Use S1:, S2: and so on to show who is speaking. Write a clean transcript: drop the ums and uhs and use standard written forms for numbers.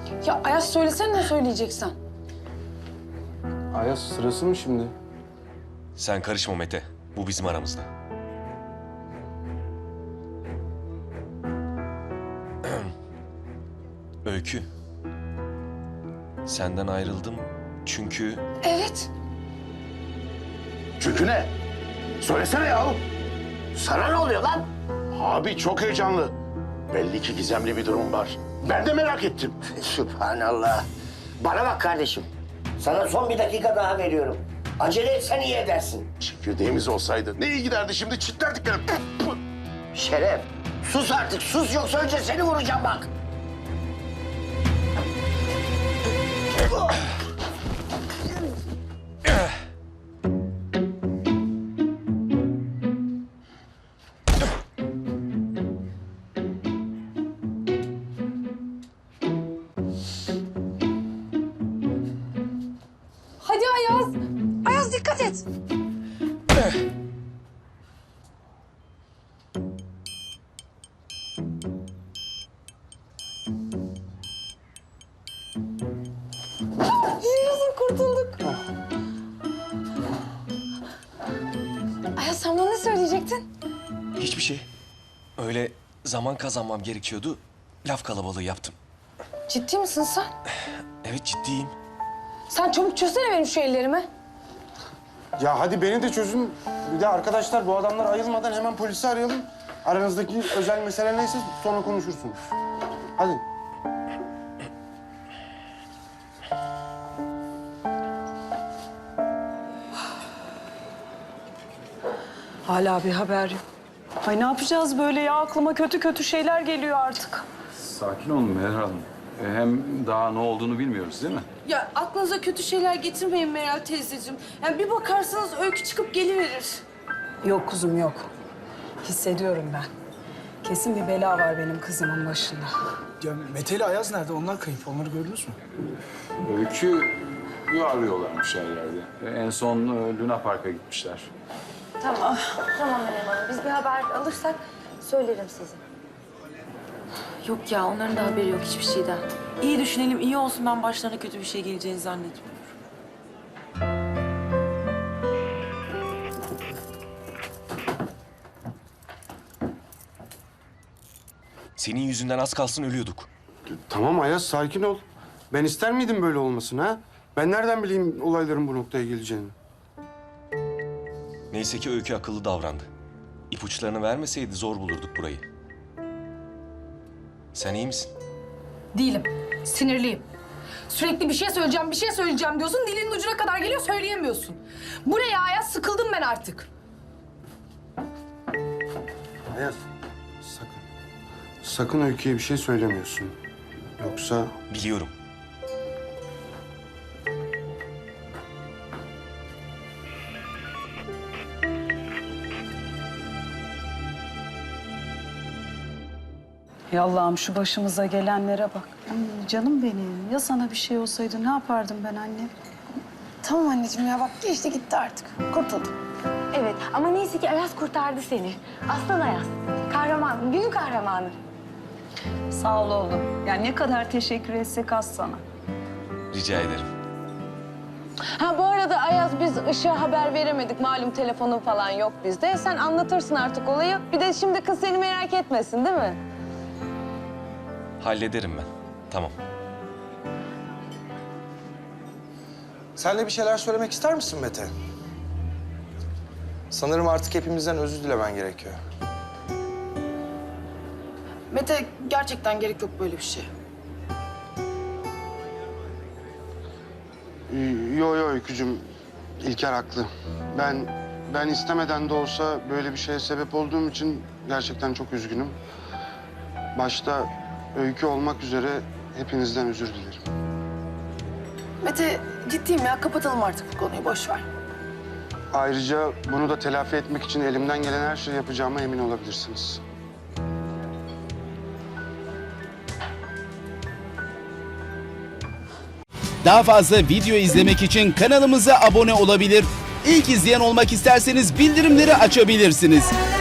S1: Ya Ayaz söylesene ne söyleyeceksen.
S2: Ayaz sırası mı şimdi?
S3: Sen karışma Mete. Bu bizim aramızda. Öykü. Senden ayrıldım çünkü...
S1: Evet.
S4: Çünkü ne? Söylesene yahu.
S5: Sana ne oluyor lan?
S4: Abi çok heyecanlı. Belli ki gizemli bir durum var. Ben de merak ettim.
S5: Sübhanallah. Bana bak kardeşim. Sana son bir dakika daha veriyorum. Acele etsen iyi edersin.
S4: Çekirdeğimiz olsaydı ne iyi giderdi şimdi çitlerdik yani.
S5: Şeref, sus artık. Sus yoksa önce seni vuracağım bak.
S1: Hadi Ayaz. Ayaz dikkat et. Yaşasın kurtulduk. Ayaz sen bana ne söyleyecektin?
S3: Hiçbir şey. Öyle zaman kazanmam gerekiyordu. Laf kalabalığı yaptım.
S1: Ciddi misin sen?
S3: Evet ciddiyim.
S1: Sen çabuk çözsene benim şu ellerimi.
S2: Ya hadi beni de çözün. Bir de arkadaşlar bu adamlar ayılmadan hemen polisi arayalım. Aranızdaki özel mesele neyse sonra konuşursunuz. Hadi.
S6: Hala bir haber yok. Ay ne yapacağız böyle ya? Aklıma kötü kötü şeyler geliyor artık.
S7: Sakin olun Meral Hanım. Hem daha ne olduğunu bilmiyoruz değil mi?
S8: Ya aklınıza kötü şeyler getirmeyin Meral teyzeciğim. Yani bir bakarsanız Öykü çıkıp geliverir.
S6: Yok kuzum yok. Hissediyorum ben. Kesin bir bela var benim kızımın başında.
S9: Ya Mete ile Ayaz nerede? Onlar kayıp. Onları gördünüz mü?
S7: Öykü'yü arıyorlarmış her yerde. En son Luna Park'a gitmişler.
S10: Tamam Meryem Hanım. Biz bir haber alırsak söylerim size.
S8: Yok ya onların da haberi yok hiçbir şeyden. İyi düşünelim, iyi olsun, ben başlarına kötü bir şey geleceğini zannetmiyorum.
S3: Senin yüzünden az kalsın ölüyorduk.
S2: Tamam Ayaz sakin ol. Ben ister miydim böyle olmasını ha? Ben nereden bileyim olayların bu noktaya geleceğini?
S3: Neyse ki Öykü akıllı davrandı. İpuçlarını vermeseydi zor bulurduk burayı. Sen iyi misin?
S1: Değilim. Sinirliyim. Sürekli bir şey söyleyeceğim diyorsun. Dilinin ucuna kadar geliyor söyleyemiyorsun. Bu ne ya Ayaz? Sıkıldım ben artık.
S2: Ayaz sakın. Sakın Öykü'ye bir şey söylemiyorsun. Yoksa...
S3: Biliyorum.
S6: Ya Allah'ım şu başımıza gelenlere bak. Ay, canım benim. Ya sana bir şey olsaydı ne yapardım ben anne?
S1: Tamam anneciğim ya bak geçti gitti artık. Kurtuldum.
S10: Evet ama neyse ki Ayaz kurtardı seni. Aslan Ayaz. Kahraman, günün kahramanı.
S6: Sağ ol oğlum. Yani ne kadar teşekkür etsek az sana.
S3: Rica ederim.
S8: Ha bu arada Ayaz biz Işık'a haber veremedik. Malum telefonu falan yok bizde. Sen anlatırsın artık olayı. Bir de şimdi kız seni merak etmesin değil mi?
S3: Hallederim ben. Tamam.
S9: Sen de bir şeyler söylemek ister misin Mete? Sanırım artık hepimizden özür dilemen gerekiyor.
S1: Mete gerçekten gerek yok böyle bir şey.
S2: Yo Öykücüğüm. İlker haklı. Ben istemeden de olsa böyle bir şeye sebep olduğum için gerçekten çok üzgünüm. Başta Öykü olmak üzere hepinizden özür dilerim.
S1: Mete ciddiyim ya kapatalım artık bu konuyu boş ver.
S2: Ayrıca bunu da telafi etmek için elimden gelen her şeyi yapacağıma emin olabilirsiniz.
S11: Daha fazla video izlemek için kanalımıza abone olabilir. İlk izleyen olmak isterseniz bildirimleri açabilirsiniz.